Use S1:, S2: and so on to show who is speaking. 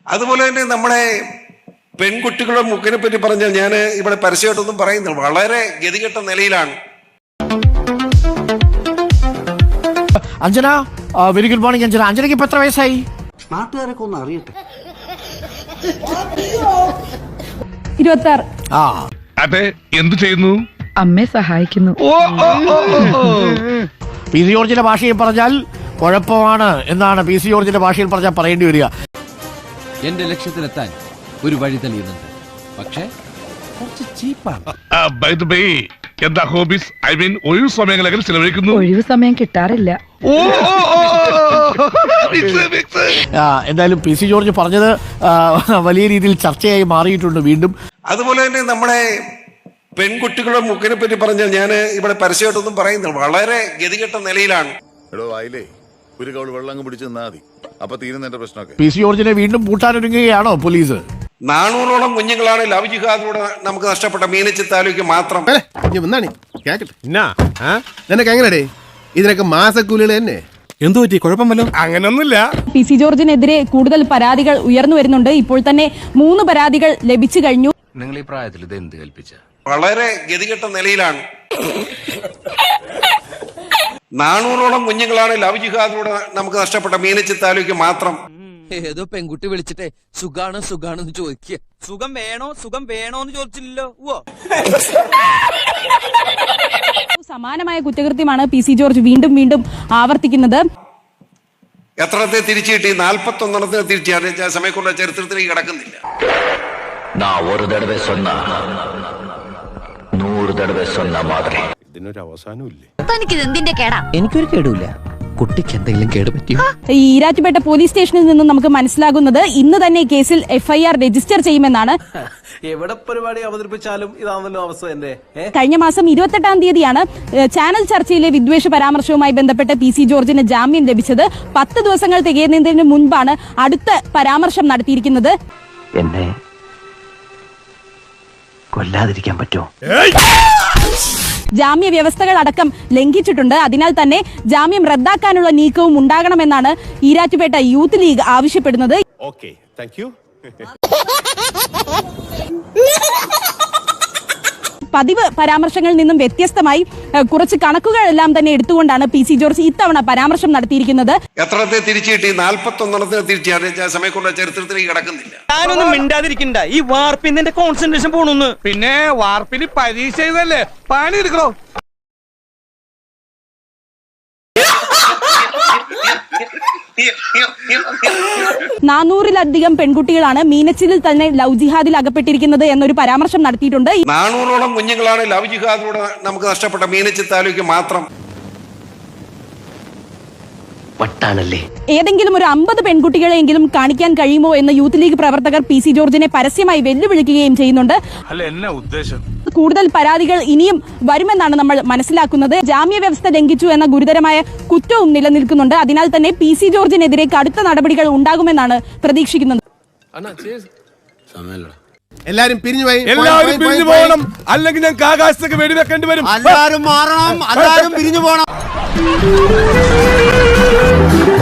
S1: അതുപോലെ തന്നെ നമ്മളെ പെൺകുട്ടികളുടെ മുക്കിനെ പറ്റി പറഞ്ഞാൽ ഞാൻ ഇവിടെ പരസ്യമായിട്ടൊന്നും പറയുന്നില്ല, വളരെ ഗതികെട്ട നിലയിലാണ്.
S2: Anjana, very good morning Anjana. അഞ്ജനയ്ക്ക് ഇപ്പൊ എത്ര വയസ്സായി?
S3: നാട്ടുകാരൊക്കെ ഒന്ന് അറിയട്ടെ.
S4: 26.
S5: അതെ, എന്തു ചെയ്യുന്നു?
S4: അമ്മയെ സഹായിക്കുന്നു.
S2: പി സി ജോർജിന്റെ ഭാഷയിൽ പറഞ്ഞാൽ കുഴപ്പമാണ് എന്നാണ് പി സി ജോർജിന്റെ ഭാഷയിൽ പറഞ്ഞാൽ പറയേണ്ടി വരിക.
S6: എന്റെ ലക്ഷ്യത്തിലെത്താൻ ഒരു വഴി തെളിയുന്നുണ്ട്, പക്ഷേ കുറച്ച് ചീപ്പാണ്.
S5: എന്താ ഹോബീസ്? ഐ മീൻ ഒഴിവ് സമയങ്ങളൊക്കെ ചിലവഴിക്കുന്നു?
S4: ഒഴിവ് സമയം കിട്ടാറില്ല.
S2: എന്തായാലും പി സി ജോർജ് പറഞ്ഞത് വലിയ രീതിയിൽ ചർച്ചയായി മാറിയിട്ടുണ്ട് വീണ്ടും.
S1: അതുപോലെ തന്നെ നമ്മളെ പെൺകുട്ടികളുടെ മുക്കിനെ പറ്റി പറഞ്ഞാൽ ഞാൻ ഇവിടെ പരസ്യമായിട്ടൊന്നും പറയുന്നില്ല, വളരെ ഗതികെട്ട നിലയിലാണ്.
S7: ഒരു കൗൾ വെള്ളം പിടിച്ച് നിന്നാ മതി, അപ്പൊ തീരുന്നതിന്റെ പ്രശ്നമൊക്കെ.
S2: പി സി ജോർജിനെ വീണ്ടും പൂട്ടാനൊരുങ്ങുകയാണോ പോലീസ്?
S1: 400ഓളം കുഞ്ഞുങ്ങളാണ് ലവ് ജിഹാദിലൂടെ നമുക്ക് നഷ്ടപ്പെട്ട മീനച്ചി താലൂക്ക് മാത്രം.
S8: നിനക്ക് എങ്ങനെടേ ഇതിനൊക്കെ മാസക്കൂലികൾ തന്നെ?
S6: എന്തു പറ്റി? കുഴപ്പമല്ലോ.
S8: അങ്ങനൊന്നുമില്ല.
S4: പി സി ജോർജിനെതിരെ കൂടുതൽ പരാതികൾ ഉയർന്നു വരുന്നുണ്ട്. ഇപ്പോൾ തന്നെ 3 പരാതികൾ ലഭിച്ചു കഴിഞ്ഞു.
S6: നിങ്ങൾ ഈ പ്രായത്തിൽ ഇത് എന്ത് കൽപ്പിച്ച?
S1: വളരെ ഗതികെട്ട നിലയിലാണ്. 400ഓളം കുഞ്ഞുങ്ങളാണ് ലവ് ജിഹാദിലൂടെ നമുക്ക് നഷ്ടപ്പെട്ട മീനച്ചി താലൂക്ക് മാത്രം.
S6: ഏതോ പെൺകുട്ടി വിളിച്ചിട്ടേ സുഖാണെന്ന് ചോദിക്കുക. സുഖം വേണോന്ന് ചോദിച്ചില്ലല്ലോ.
S4: സമാനമായ കുറ്റകൃത്യമാണ് പി സി ജോർജ് വീണ്ടും ആവർത്തിക്കുന്നത്.
S1: എത്രത്തെ തിരിച്ചു കിട്ടി? 41 തിരിച്ചു. സമയക്കുള്ള ചരിത്രത്തിലേക്ക് കിടക്കുന്നില്ല.
S8: ഇതിനൊരു അവസാനമില്ലേ?
S6: എനിക്കൊരു കേടുമില്ല. കുട്ടിക്ക് എന്തെങ്കിലും കേട് പറ്റിയോ?
S4: ഈ ഈരാറ്റുപേട്ട പോലീസ് സ്റ്റേഷനിൽ നിന്നും നമുക്ക് മനസ്സിലാകുന്നത് ഇന്ന് തന്നെ കേസിൽ FIR രജിസ്റ്റർ ചെയ്യുമെന്നാണ്.
S3: എവിടെ പരിപാടി അവതരിപ്പിച്ചാലും ഇതാണല്ലോ അവസ്ഥ. എന്റെ
S4: കഴിഞ്ഞ മാസം 28-ാം തീയതിയാണ് ചാനൽ ചർച്ചയിലെ വിദ്വേഷ പരാമർശവുമായി ബന്ധപ്പെട്ട് പി സി ജോർജിന് ജാമ്യം ലഭിച്ചത്. 10 ദിവസങ്ങൾ തികയുന്നതിന് മുൻപാണ് അടുത്ത പരാമർശം നടത്തിയിരിക്കുന്നത്.
S3: എന്നെ കൊല്ലാതിരിക്കാൻ പറ്റുമോ?
S4: ജാമ്യ വ്യവസ്ഥകൾ അടക്കം ലംഘിച്ചിട്ടുണ്ട്. അതിനാൽ തന്നെ ജാമ്യം റദ്ദാക്കാനുള്ള നീക്കവും ഉണ്ടാകണമെന്നാണ് ഈരാറ്റുപേട്ട യൂത്ത് ലീഗ് ആവശ്യപ്പെടുന്നത്.
S8: Okay, thank you.
S4: പതിവ് പരാമർശങ്ങളിൽ നിന്നും വ്യത്യസ്തമായി കുറച്ച് കണക്കുകളെല്ലാം തന്നെ എടുത്തുകൊണ്ടാണ് പി സി ജോർജ് ഇത്തവണ പരാമർശം നടത്തിയിരിക്കുന്നത്.
S1: എത്രത്തെ തിരിച്ചു കിട്ടി? 41 തിരിച്ചു. സമയക്കുള്ള ചരിത്രത്തിലേക്ക് കിടക്കുന്നില്ല.
S9: ഞാനൊന്നും മിണ്ടാതിരിക്കണ്ട. ഈ വാർപ്പിന്റെ കോൺസെൻട്രേഷൻ പോണു. പിന്നെ വാർപ്പിന് പരീക്ഷ ചെയ്തല്ലേ, പണി എടുക്കണോ?
S4: നാനൂറിലധികം പെൺകുട്ടികളാണ് മീനച്ചിലിൽ തന്നെ ലവ് ജിഹാദിൽ അകപ്പെട്ടിരിക്കുന്നത് എന്നൊരു പരാമർശം നടത്തിയിട്ടുണ്ട്.
S1: 400ഓളം കുഞ്ഞുങ്ങളാണ് ലവ് ജിഹാദിലൂടെ നമുക്ക് നഷ്ടപ്പെട്ട മീനച്ചി താലൂക്ക് മാത്രം.
S4: ഏതെങ്കിലും ഒരു 50 പെൺകുട്ടികളെങ്കിലും കാണിക്കാൻ കഴിയുമോ എന്ന് യൂത്ത് ലീഗ് പ്രവർത്തകർ പി സി ജോർജിനെ പരസ്യമായി വെല്ലുവിളിക്കുകയും ചെയ്യുന്നുണ്ട്. കൂടുതൽ പരാതികൾ ഇനിയും വരുമെന്നാണ് നമ്മൾ മനസ്സിലാക്കുന്നത്. ജാമ്യ വ്യവസ്ഥ ലംഘിച്ചു എന്ന ഗുരുതരമായ കുറ്റവും നിലനിൽക്കുന്നുണ്ട്. അതിനാൽ തന്നെ പി സി ജോർജിനെതിരെ കടുത്ത നടപടികൾ ഉണ്ടാകുമെന്നാണ് പ്രതീക്ഷിക്കുന്നത്.
S8: എല്ലാരും പിരിഞ്ഞു
S9: പോകണം, അല്ലെങ്കിൽ ഞങ്ങൾക്ക് ആകാശത്തേക്ക് വെടിവെക്കേണ്ടി വരും.
S3: എല്ലാരും മാറണം, എല്ലാരും പിരിഞ്ഞു പോകണം.